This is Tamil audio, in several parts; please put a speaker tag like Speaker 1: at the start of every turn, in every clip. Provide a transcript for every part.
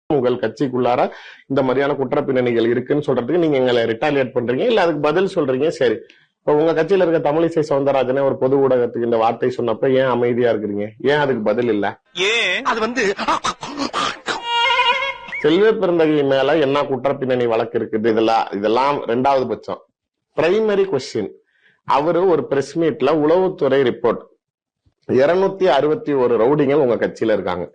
Speaker 1: உங்கள் கட்சிக்குள்ளார இந்த மாதிரியான குற்ற பின்னணிகள் இருக்குன்னு சொல்றதுக்கு நீங்க எங்களை ரிட்டாலியேட் பண்றீங்க, இல்ல அதுக்கு பதில் சொல்றீங்க. சரி, இப்ப உங்க கட்சியில இருக்க தமிழிசை சவுந்தரராஜனே ஒரு பொது ஊடகத்துக்கு இந்த வார்த்தை சொன்னப்ப ஏன் அமைதியா இருக்கிறீங்க? ஏன் அதுக்கு பதில் இல்ல? செல்வ பெருந்தகை மேல என்ன குற்ற பின்னணி வழக்கு இருக்குது? இதெல்லாம் ரெண்டாவது பட்சம். பிரைமரி கொஸ்டின், அவரு ஒரு பிரஸ் மீட்ல உளவுத்துறை ரிப்போர்ட் 261 ரவுடிகள் உங்க கட்சியில இருக்காங்க.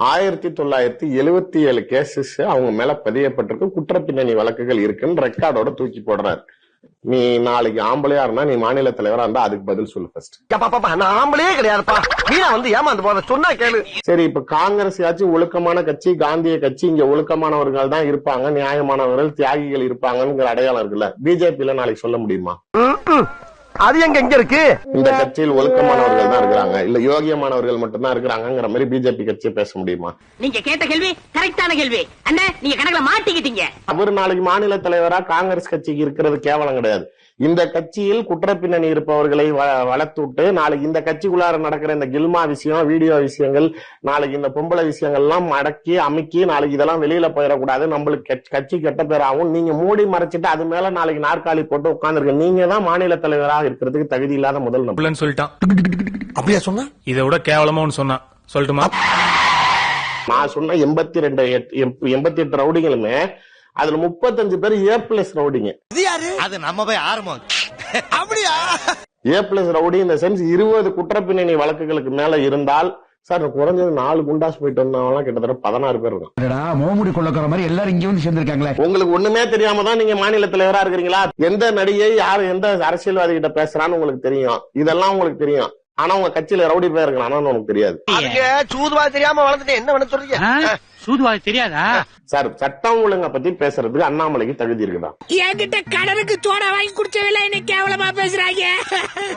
Speaker 1: 1977 கேசஸ் அவங்க மேல பதியப்பட்டிருக்கு, குற்ற பின்னணி வழக்குகள் இருக்குன்னு ரெக்கார்டோட தூக்கி போடுறாரு. நீ நாளைக்கு ஆம்பளையா இருந்தா, நீ மாநில தலைவரா இருந்தா அதுக்கு பதில் சொல்லு ஃபர்ஸ்ட்.
Speaker 2: நான் ஆம்பளையே கிடையாதுப்பா, மீனா வந்து ஏமாந்து போற சொன்னா கேளு.
Speaker 1: சரி, இப்ப காங்கிரஸ் ஆச்சு ஒழுக்கமான கட்சி, காந்திய கட்சி, இங்க ஒழுக்கமானவர்கள் தான் இருப்பாங்க, நியாயமானவர்கள், தியாகிகள் இருப்பாங்கிற அடையாளம் இருக்குல்ல. பிஜேபியில நாளைக்கு சொல்ல முடியுமா?
Speaker 2: அது எங்க இருக்கு?
Speaker 1: இந்த கட்சியில் ஒழுக்கமானவர்கள் தான் இருக்கிறாங்க, இல்ல யோகியமானவர்கள் மட்டும்தான் இருக்கிறாங்கிற மாதிரி பிஜேபி கட்சியை பேச முடியுமா?
Speaker 3: நீங்க கேட்ட கேள்வி கரெக்டான கேள்வி அண்ணா, நீங்க கணக்குல மாட்டிக்கிட்டீங்க.
Speaker 1: அவர் நாளைக்கு மாநில தலைவரா காங்கிரஸ் கட்சிக்கு இருக்கிறது கேவலம் கிடையாது. இந்த கட்சியில் குற்ற பின்னணி இருப்பவர்களை வளர்த்துட்டு நாளைக்கு இந்த கட்சிக்குள்ளார நடக்கிற இந்த கில்மா விஷயம், வீடியோ விஷயங்கள், நாளைக்கு இந்த பொம்பளை விஷயங்கள் எல்லாம் அடக்கி அமுக்கி நாளைக்கு இதெல்லாம் வெளியில போயிடக்கூடாது, நம்மளுக்கு கட்சி கெட்ட பேராகும். நீங்க மூடி மறைச்சிட்டு அது மேல நாளைக்கு நாற்காலி போட்டு உட்கார்ந்துருக்க, நீங்க தான் மாநில தலைவராக இருக்கிறதுக்கு தகுதி இல்லாத முதல் நபர்
Speaker 4: சொல்லிட்டான்.
Speaker 2: அப்படியா சொன்னா?
Speaker 4: இதை விட கேவலமா சொன்னா சொல்லட்டுமா?
Speaker 1: நான் சொன்ன 88 ரவுடிகளுமே அதுல 35 பேர் A+ ரவுடிங்க.
Speaker 2: அது நம்ம போய் ஆரம்பம். அப்படியா?
Speaker 1: A+ ரவுடி இந்த சென்ஸ் 20 குற்ற பின்னணி வழக்குகளுக்கு மேல இருந்தால், சார் குறைஞ்சது 4 குண்டாஸ் போயிட்டு வந்தவங்க கிட்டத்தட்ட 16 பேர் இருக்கும்.
Speaker 5: மோமுடி கொள்ளக்கிற மாதிரி எல்லாரும் இங்க வந்து சேர்ந்திருக்காங்களே.
Speaker 1: உங்களுக்கு ஒண்ணுமே தெரியாம தான் நீங்க மாநில தலைவரா இருக்கிறீங்களா? எந்த நடிகை யாரு எந்த அரசியல்வாதி கிட்ட பேசுறான்னு உங்களுக்கு தெரியும், இதெல்லாம் உங்களுக்கு தெரியும். ஆனா உங்க கட்சியில ரவுடி பேர் இருக்கணும் உனக்கு தெரியாது.
Speaker 2: சூதுவாது தெரியாம வளர்ந்துட்டு என்ன பண்ண சொல்றீங்க?
Speaker 3: சூதுவாது தெரியாதா
Speaker 1: சார்? சட்டம் ஒழுங்க பத்தி பேசுறதுக்கு அண்ணாமலைக்கு தகுதி இருக்குதா?
Speaker 3: என்கிட்ட கடனுக்கு சோடா வாங்கி குடிச்சவில்லை, என்ன கேவலமா பேசுறாங்க.